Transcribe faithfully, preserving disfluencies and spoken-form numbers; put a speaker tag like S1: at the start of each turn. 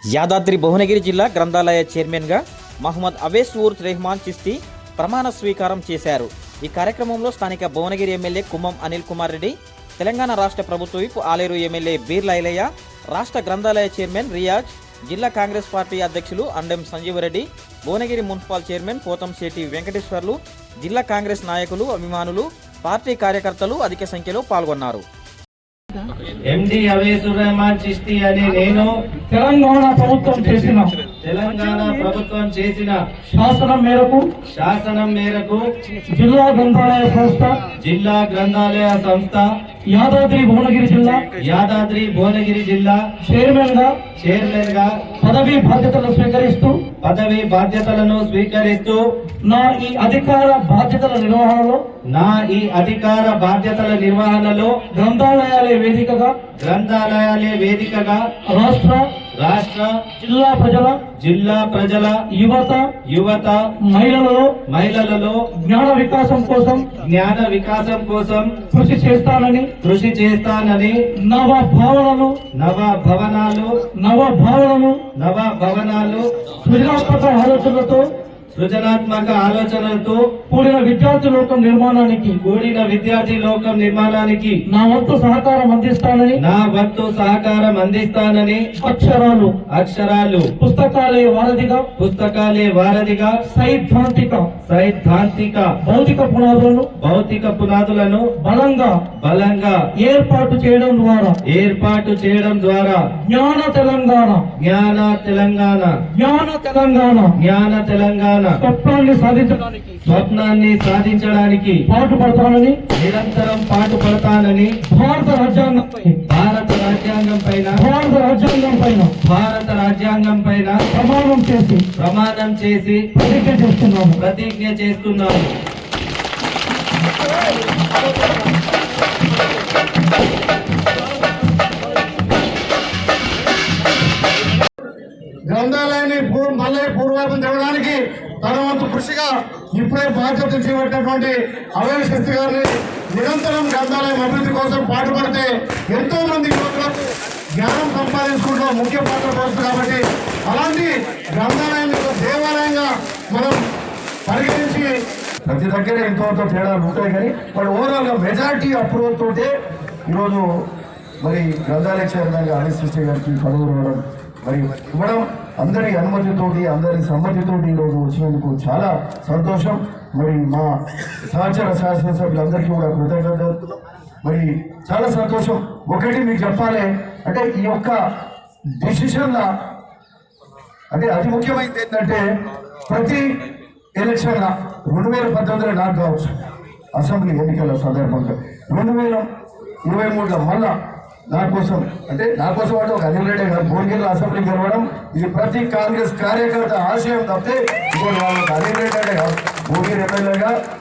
S1: యాదాద్రి భువనగిరి జిల్లా గ్రంథాలయ చైర్మన్గా మహమ్మద్ అవేస్ ఊర్ రెహమాన్ చిస్తి ప్రమాణ స్వీకారం చేశారు. ఈ కార్యక్రమంలో స్థానిక భువనగిరి ఎమ్మెల్యే కుమ్మం అనిల్ కుమార్ రెడ్డి, తెలంగాణ రాష్ట్ర ప్రభుత్వ విప్ ఆలేరు ఎమ్మెల్యే బీర్ల ఐలయ్య, రాష్ట్ర గ్రంథాలయ చైర్మన్ రియాజ్, జిల్లా కాంగ్రెస్ పార్టీ అధ్యక్షులు అండెం సంజీవరెడ్డి, భువనగిరి మున్సిపల్ చైర్మన్ పోతంశెట్టి వెంకటేశ్వర్లు, జిల్లా కాంగ్రెస్ నాయకులు, అభిమానులు, పార్టీ కార్యకర్తలు అధిక సంఖ్యలో పాల్గొన్నారు.
S2: ఎండి అవేసుర్ రెహమాన్ చిస్తి అని నేను
S3: తెలంగాణ ప్రభుత్వం చేసిన
S2: తెలంగాణ ప్రభుత్వం చేసిన
S3: శాసనం మేరకు
S2: శాసనం మేరకు
S3: జిల్లా గ్రంథాలయ సంస్థ
S2: జిల్లా గ్రంథాలయ సంస్థ
S3: యాదాద్రి భువనగిరి జిల్లా
S2: యాదాద్రి భువనగిరి జిల్లా
S3: చైర్మన్ గా
S2: చైర్మన్ గా
S3: పదవి బాధ్యతలు స్వీకరిస్తూ
S2: పదవి బాధ్యతలను స్వీకరిస్తూ
S3: నా ఈ అధికార బాధ్యతల నిర్వహణలో
S2: నా ఈ అధికార బాధ్యతల నిర్వహణలో
S3: గ్రంథాలయాలే వేదికగా
S2: గ్రంథాలయాలే వేదికగా
S3: రాష్ట్ర
S2: రాష్ట్ర
S3: జిల్లా ప్రజల
S2: జిల్లా ప్రజల
S3: యువత
S2: యువత
S3: మహిళలలో
S2: మహిళలలో
S3: జ్ఞాన వికాసం కోసం
S2: జ్ఞాన వికాసం కోసం
S3: కృషి చేస్తానని
S2: కృషి చేస్తానని
S3: నవ భావనలు
S2: నవ భవనాలు
S3: నవ భావనలు
S2: నవ భవనాలు
S3: సృజనాత్మక ఆలోచనలతో
S2: సృజనాత్మక ఆలోచనలతో
S3: కూడిన విద్యార్థి లోకం నిర్మాణానికి
S2: కూడిన విద్యార్థి లోకం నిర్మాణానికి
S3: నా వంతు సహకారం అందిస్తానని
S2: నా వంతు సహకారం అందిస్తానని
S3: అక్షరాలు
S2: అక్షరాలు
S3: పుస్తకాలే వారధిగా
S2: పుస్తకాలే వారధిగా
S3: సైద్ధాంతిక
S2: సైద్ధాంతిక
S3: భౌతిక పునాదులను
S2: భౌతిక పునాదులను
S3: బలంగా
S2: బలంగా
S3: ఏర్పాటు చేయడం ద్వారా
S2: ఏర్పాటు చేయడం ద్వారా
S3: జ్ఞాన తెలంగాణ
S2: జ్ఞాన తెలంగాణ
S3: జ్ఞాన తెలంగాణ
S2: జ్ఞాన తెలంగాణ
S3: స్వప్నాన్ని సాధించడానికి
S2: స్వప్నాన్ని సాధించడానికి
S3: పాటుపడతానని
S2: నిరంతరం పాటుపడతానని
S3: భారత రాజ్యాంగంపై
S2: భారత రాజ్యాంగం పైన
S3: భారత రాజ్యాంగం పైన
S2: భారత రాజ్యాంగం పైన
S3: ప్రమాణం చేసి
S2: ప్రమాణం చేసి
S3: ప్రతిజ్ఞ చేస్తున్నాను.
S2: ప్రతిజ్ఞ చేస్తున్నాను.
S4: గ్రంథాలయాన్ని మళ్ళీ పూర్వపం తెవడానికి తన వంతు కృషిగా ఇప్పుడే బాధ్యత చేపట్టినటువంటి అవేస్ చిస్తి గారిని నిరంతరం గ్రంథాలయం అభివృద్ధి కోసం పాటుపడితే ఎంతో మంది యువకులకు జ్ఞానం సంపాదించుకుంటూ ముఖ్య పాత్ర పోస్తుంది. కాబట్టి అలాంటి గ్రంథాలయాన్ని దేవాలయంగా మనం పరిగణించి ప్రతి దగ్గర ఎంతో తేడాలు ఉంటాయి, కానీ బట్ ఓవరాల్ గా మెజారిటీ అప్రూవల్ తోటే ఈరోజు మరి గ్రంథాలయ చైర్మన్గా అవేస్ చిస్తి గారికి పదవి ఇవ్వడం మరి ఇవ్వడం అందరి అనుమతితోటి అందరి సమ్మతితోటి ఈరోజు వచ్చినందుకు చాలా సంతోషం. మరి మా సహచర శాసనసభ్యులందరికీ కూడా కృతజ్ఞతలు. మరి చాలా సంతోషం. ఒకటి మీకు చెప్పాలి అంటే ఈ యొక్క డిసిషన్ల అంటే అతి ముఖ్యమైనది ఏంటంటే ప్రతి ఎలక్షన్ల రెండు వేల పద్దెనిమిదిలో నాకు కావచ్చు అసెంబ్లీ ఎన్నికల సందర్భంగా రెండు వేల ఇరవై మూడులో మళ్ళా నా కోసం అంటే నా కోసం అంటే ఒక అనిల్ రెడ్డి గారు భువనగిరిలో అసెంబ్లీ గెలవడం ఇది ప్రతి కాంగ్రెస్ కార్యకర్త ఆశయం తప్పితే ఇంకోటి వాళ్ళకి అనిల్ రెడ్డి అంటే భువనగిరి ఎమ్మెల్యేగా